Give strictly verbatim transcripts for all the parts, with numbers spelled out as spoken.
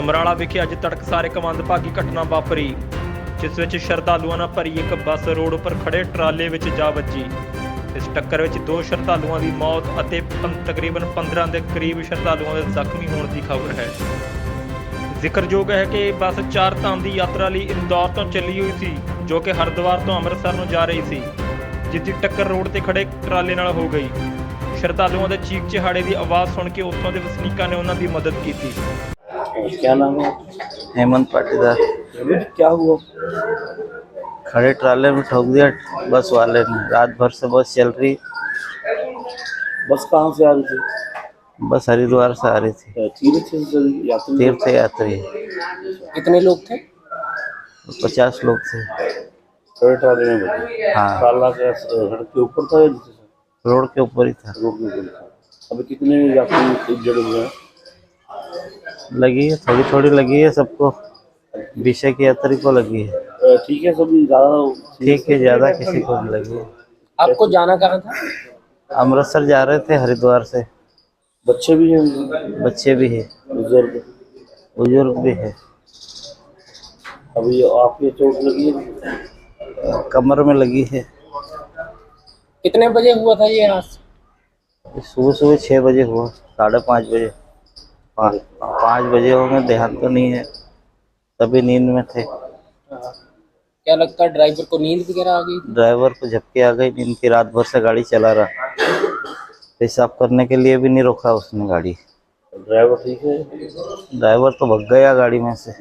ਸਮਰਾਲਾ ਵਿਖੇ ਅੱਜ ਤੜਕਸਾਰ ਇੱਕ ਮੰਦਭਾਗੀ ਘਟਨਾ ਵਾਪਰੀ, ਜਿਸ ਵਿੱਚ ਸ਼ਰਧਾਲੂਆਂ ਨਾਲ ਭਰੀ ਇੱਕ ਬੱਸ ਰੋਡ ਉੱਪਰ ਖੜੇ ਟਰਾਲੇ ਵਿੱਚ ਜਾ ਵੱਜੀ। ਇਸ ਟੱਕਰ ਵਿੱਚ ਦੋ ਸ਼ਰਧਾਲੂਆਂ ਦੀ ਮੌਤ ਅਤੇ ਤਕਰੀਬਨ ਪੰਦਰਾਂ ਦੇ ਕਰੀਬ ਸ਼ਰਧਾਲੂਆਂ ਦੇ ਜ਼ਖਮੀ ਹੋਣ ਦੀ ਖਬਰ ਹੈ। ਜ਼ਿਕਰਯੋਗ ਹੈ ਕਿ ਇਹ ਬੱਸ ਚਾਰ ਧਾਮ ਦੀ ਯਾਤਰਾ ਲਈ ਇੰਦੌਰ ਤੋਂ ਚੱਲੀ ਹੋਈ ਸੀ, ਜੋ ਕਿ ਹਰਿਦੁਆਰ ਤੋਂ ਅੰਮ੍ਰਿਤਸਰ ਨੂੰ ਜਾ ਰਹੀ ਸੀ, ਜਿਸ ਦੀ ਟੱਕਰ ਰੋਡ ਤੇ ਖੜੇ ਟਰਾਲੇ ਨਾਲ ਹੋ ਗਈ। ਸ਼ਰਧਾਲੂਆਂ ਦੇ ਚੀਕ ਚਿਹਾੜੇ ਦੀ ਆਵਾਜ਼ सुन के उत्थों के वसनीकों ने उन्होंने मदद की थी। क्या नाम है? हेमंत पाटीदार। क्या हुआ? खड़े ट्राले में ठोक दिया बस वाले ने। रात भर से बस चल रही। बस कहाँ से आ रही थी? बस हरिद्वार से आ रही थी। तीर्थ यात्री तीर्थ यात्री। कितने लोग थे? पचास लोग थे। खड़े ट्राले में बजे? हाँ। ट्राला के सड़क के ऊपर था या नीचे? रोड के ऊपर ही था। रोड के ऊपर था। अभी कितने यात्री जड़े हुए हैं? लगी है, थोड़ी थोड़ी लगी है सबको। विषय की यात्री को लगी है। ठीक है, सब ज्यादा ठीक है, ज्यादा किसी को नहीं लगी है। आपको जाना कहाँ था? अमृतसर जा रहे थे हरिद्वार से। बच्चे भी हैं? बच्चे भी है, बुजुर्ग बुजुर्ग भी है। अभी आपके चोट लगी है? कमर में लगी है। कितने बजे हुआ था ये हादसा? सुबह सुबह छः बजे हुआ, साढ़े पाँच बजे पाँच पाँच बजे होंगे, ध्यान तो नहीं है, तभी नींद में थे। क्या लगता है ड्राइवर को नींद वगैरह आ गई? ड्राइवर को झपकी आ गई नींद की। रात भर से गाड़ी चला रहा, पेशाब करने के लिए भी नहीं रोका उसने गाड़ी। ड्राइवर ठीक है? ड्राइवर तो भग गया गाड़ी में से।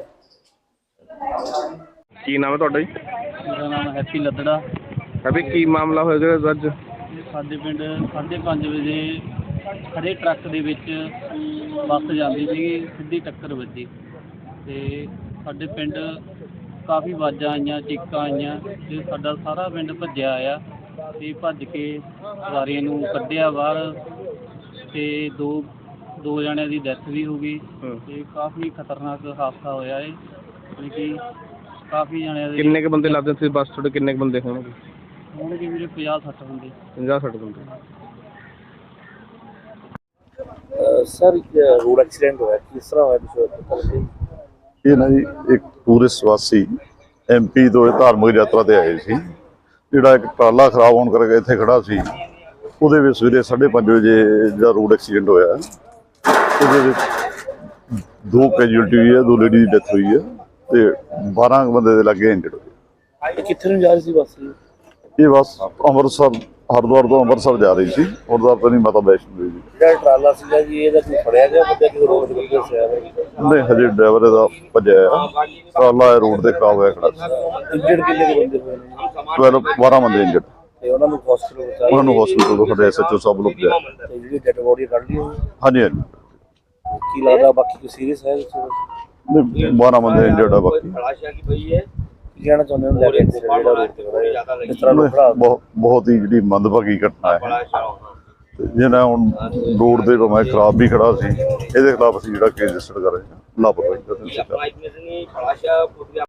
ਕੀ ਨਾਮ ਹੈ ਤੁਹਾਡਾ ਜੀ? ਮੇਰਾ ਨਾਮ ਹੈਪੀ ਲੱਦੜਾ। ਅਭੀ ਕੀ ਮਾਮਲਾ ਹੋਇਆ ਅੱਜ? ਸਾਡੇ ਪਿੰਡ ਸਾਢੇ ਪੰਜ ਵਜੇ ਖੜੇ ਟਰੱਕ ਦੇ ਵਿੱਚ ਬੱਸ ਜਾਂਦੀ ਸੀਗੀ, ਸਿੱਧੀ ਟੱਕਰ ਵੱਜੀ ਅਤੇ ਸਾਡੇ ਪਿੰਡ ਕਾਫੀ ਆਵਾਜ਼ਾਂ ਆਈਆਂ, ਚੀਕਾਂ ਆਈਆਂ ਅਤੇ ਸਾਡਾ ਸਾਰਾ ਪਿੰਡ ਭੱਜਿਆ ਆਇਆ ਅਤੇ ਭੱਜ ਕੇ ਸਵਾਰੀਆਂ ਨੂੰ ਕੱਢਿਆ ਬਾਹਰ ਅਤੇ ਦੋ ਦੋ ਜਣਿਆਂ ਦੀ ਡੈਥ ਵੀ ਹੋ ਗਈ ਅਤੇ ਕਾਫੀ ਖਤਰਨਾਕ ਹਾਦਸਾ ਹੋਇਆ ਹੈ। ਯਾਨੀ ਕਿ ਕਾਫੀ ਜਣਿਆਂ ਦੇ ਕਿੰਨੇ ਕੁ ਬੰਦੇ ਲੱਗਦੇ ਸੀ ਬੱਸ ਤੁਹਾਡੇ? ਕਿੰਨੇ ਕੁ ਬੰਦੇ ਹੋਣਗੇ? ਹੋਣਗੇ ਵੀਰੇ ਪੰਜਾਹ ਸੱਠ ਬੰਦੇ। ਪੰਜਾਹ ਸੱਠ ਬੰਦੇ। सर रोड एक्सीडेंट हुआ किस तरह हुआ? ਇਹ ਨਾ ਜੀ ਇੱਕ ਟੂਰਿਸਟ ਵਾਸੀ ਐਮਪੀ ਤੋਂ ਇਹ ਧਾਰਮਿਕ ਯਾਤਰਾ ਤੇ ਆਏ ਸੀ। ਜਿਹੜਾ ਇੱਕ ਟਰਾਲਾ ਖਰਾਬ ਹੋਣ ਕਰਕੇ ਇੱਥੇ ਖੜਾ ਸੀ, ਉਹਦੇ ਵਿੱਚ ਸਵੇਰੇ ਸਾਢੇ ਪੰਜ ਵਜੇ ਜਿਹੜਾ ਰੋਡ ਐਕਸੀਡੈਂਟ ਹੋਇਆ, ਉਹਦੇ ਵਿੱਚ ਦੋ ਕੈਜੂਅਲਟੀ ਹੋਈ ਹੈ, ਦੋ ਲੇਡੀ ਦੀ ਡੈਥ ਹੋਈ ਹੈ ਤੇ ਬਾਰਾਂ ਬੰਦੇ ਦੇ ਲੱਗੇ ਇੰਜਰਡ ਹੋਏ। कितने में जा रही थी बस? ਇਹ ਬੱਸ ਅੰਮ੍ਰਿਤਸਰ ਹਰਿਦੁਆਰ ਤੋਂ ਅੰਮ੍ਰਿਤਸਰ ਜਾ ਰਹੀ ਸੀ। ਹਰਿਦੁਆਰ ਤੋਂ ਨਹੀਂ, ਮਾਤਾ ਵੈਸ਼ਨੋ ਦੇਵੀ। ਜਿਹੜਾ ਟਰਾਲਾ ਸੀਗਾ ਜੀ, ਇਹਦਾ ਕੋਈ ਫੜਿਆ ਗਿਆ ਬੰਦਾ ਕਿ ਰੋਡ ਤੇ ਦੱਸਿਆ? ਨਹੀਂ, ਹਜੇ ਡਰਾਈਵਰ ਇਹਦਾ ਭੱਜਿਆ ਆ। ਟਰਾਲਾ ਰੋਡ ਤੇ ਖਰਾਬ ਹੋਇਆ ਖੜਾ ਸੀ। ਇੰਜਰਡ ਕਿੰਨੇ ਕੁ ਬੰਦੇ ਹੋਏ ਨੇ? ਬਾਰਾਂ ਬਾਰਾਂ ਬੰਦੇ ਇੰਜਰਡ। ਤੇ ਉਹਨਾਂ ਨੂੰ ਹਸਪੀਟਲ ਪਹੁੰਚਾਇਆ? ਉਹਨਾਂ ਨੂੰ ਹਸਪੀਟਲ ਤੋਂ ਸਾਡੇ ਐਸਐਚਓ ਸਾਹਿਬ ਨੂੰ ਭੇਜਿਆ। ਤੇ ਜਿਹੜੀ ਡੈਡ ਬੋਡੀ ਕੱਢ ਲਈ ਹੋਈ? ਹਾਂਜੀ ਹਾਂਜੀ। ਕੀ ਲੱਗਦਾ ਬਾਕੀ ਕੋਈ ਸੀਰੀਅਸ ਹੈ? ਨਹੀਂ, ਬਾਰਾਂ ਬੰਦੇ ਇੰਜਰਡ ਆ ਬਾਕੀ। ਕੀ ਕਹਿਣਾ ਚਾਹੁੰਦੇ ਹੋ ਲੈ ਕੇ ਜਿਹੜਾ ਰੋਡ ਤੇ ਹੋਇਆ ਇਸ ਤਰ੍ਹਾਂ ਨੂੰ ਖੜਾ? ਬਹੁਤ ਬਹੁਤ ਹੀ ਜਿਹੜੀ ਮੰਦਭਾਗੀ ਘਟਨਾ ਹੈ। ਜਿਹਨਾਂ ਹੁਣ ਰੋਡ ਦੇ ਭਾਵੇਂ ਖਰਾਬ ਵੀ ਖੜਾ ਸੀ, ਇਹਦੇ ਖਿਲਾਫ ਅਸੀਂ ਜਿਹੜਾ ਕੇਸ ਰਜਿਸਟਰ ਕਰ ਰਹੇ ਹਾਂ ਲਾਪਰਵਾਹੀ ਦਾ।